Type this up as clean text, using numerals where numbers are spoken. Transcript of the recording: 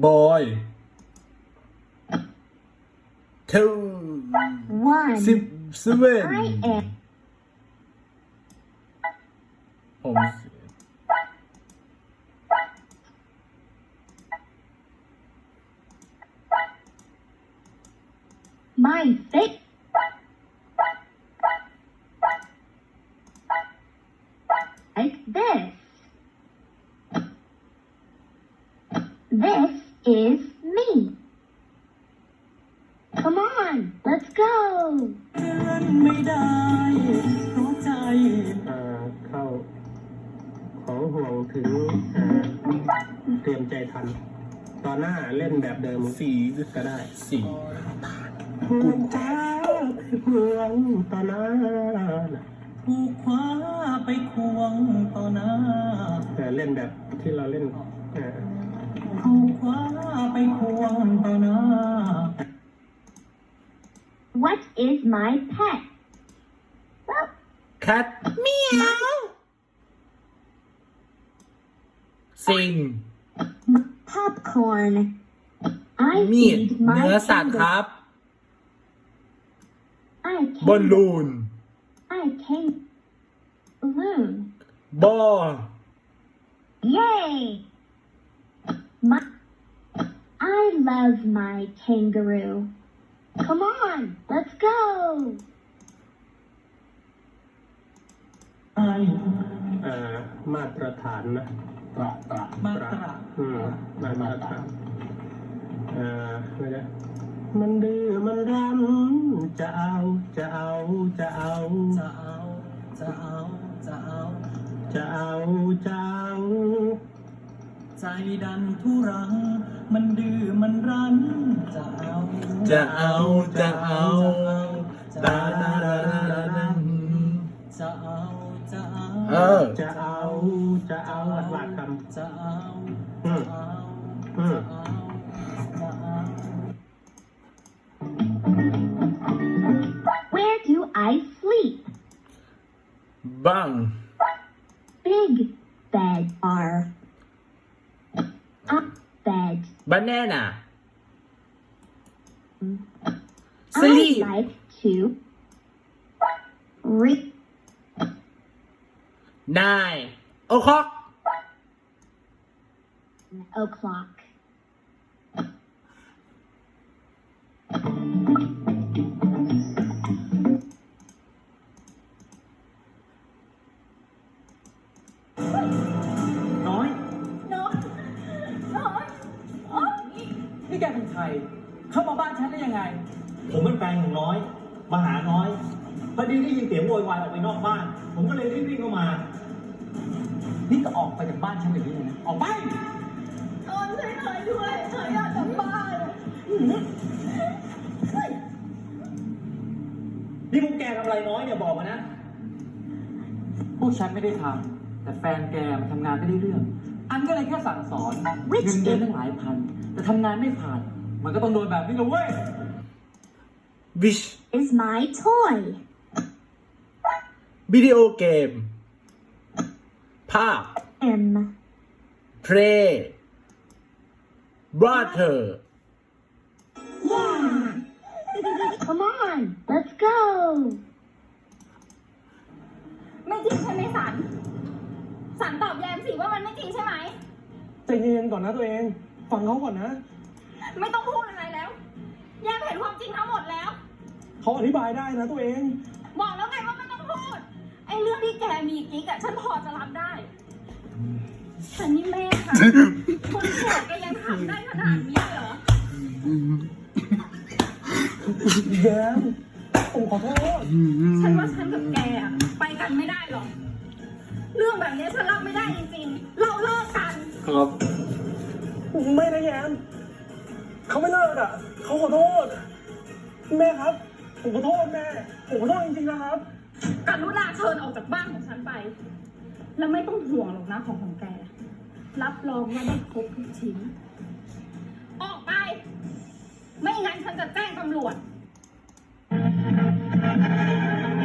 boy two 7 I am ผม my face like this. This is me. Come on, let's go. ไม่ได้เพราะใจเข้าของห่วงถึงเตรียมใจทันตอนหน้าเล่นแบบเดิมสีก็ได้สีกุญแจห่วงตอนหน้าถูกคว้าไปควงต่อหน้าเล่นแบบที่เราเล่นถูกคว้าไปควงต่อหน้า What is my pet? Well, cat เมียวสิง popcorn. I มีด feed เนื้อ my สัตว์ค kangaroo. รับ I บอล can ลูน I can balloon. บอล Yay! My I love my kangaroo. Come on, let's go. มาตรฐานนะมาตรมาตรฐานไม่ได้มันดื้อมันรั้นจะเอาจะเอาจะเอาจะเอาจะเอาจะเอาจะเอาจะเอาใจดันทุรังมันดื้อมันรั้นจะเอาจะเอาจะเอาดาดาดาดาดาจะเอาจะเอา จะเอาจะเอาหลักคำจะเอาจะเอาจะเอาจะเอา Where do I sleep? บัง Big bed are up bed. banana I sleep like to read. 9 o'clock O'clock. น้อยนี่แกเป็นใคร เข้ามาบ้านฉันได้ยังไงผมเป็นแฟนของน้อย มาหาน้อย พอดีได้ยินเสียงโวยวายออกไปนอกบ้าน ผมก็เลยรีบวิ่งเข้ามานี่ก็ออกไปจากบ้านฉันเดี๋ยวนี้เลยนะ ออกไปตอนช่วยหน่อยด้วยหน่อยอยากกลับบ้านนี่พวกแกทำอะไรน้อยเนี่ยบอกมานะพวกฉันไม่ได้ทำแต่แฟนแกมันทำงานไม่ได้เรื่อง อันก็เลยแค่สั่งสอนเงินเดือนตั้งหลายพัน แต่ทำงานไม่ผ่าน มันก็ต้องโดนแบบนี้เลยเว้ย which Is my toy. วิดีโอเกม ภาพ M. play water Yeah. Come on, let's go. ไม่จริงใช่ไหมสัน สันตอบแยมสิว่ามันไม่จริงใช่ไหมใจเย็นๆก่อนนะตัวเอง ฟังเขาก่อนนะไม่ต้องพูดอะไรแล้ว แยมเห็นความจริงทั้งหมดแล้วเขาอธิบายได้นะตัวเองบอกแล้วไงว่าไม่ต้องพูด ไอ้เรื่องที่แกมีกิ๊กอะฉันพอจะรับได้แต่นี่แม่ค่ะ คนแก่แกยังทำได้ขนาดนี้เหรอแย้มผมขอโทษฉันว่าฉันกับแกอะไปกันไม่ได้หรอก เรื่องแบบนี้ฉันรับไม่ได้จริงๆ เราเลิกกันครับไม่นะแย้มเขาไม่เลิกอ่ะ เขาขอโทษ แม่ครับ ผมขอโทษแม่ ผมขอโทษจริงๆนะครับกรุณาเชิญออกจากบ้านของฉันไป แล้วไม่ต้องห่วงหรอกนะของแก รับรองว่าได้ครบทุกชิ้น ออกไป ไม่งั้นฉันจะแจ้งตำรวจ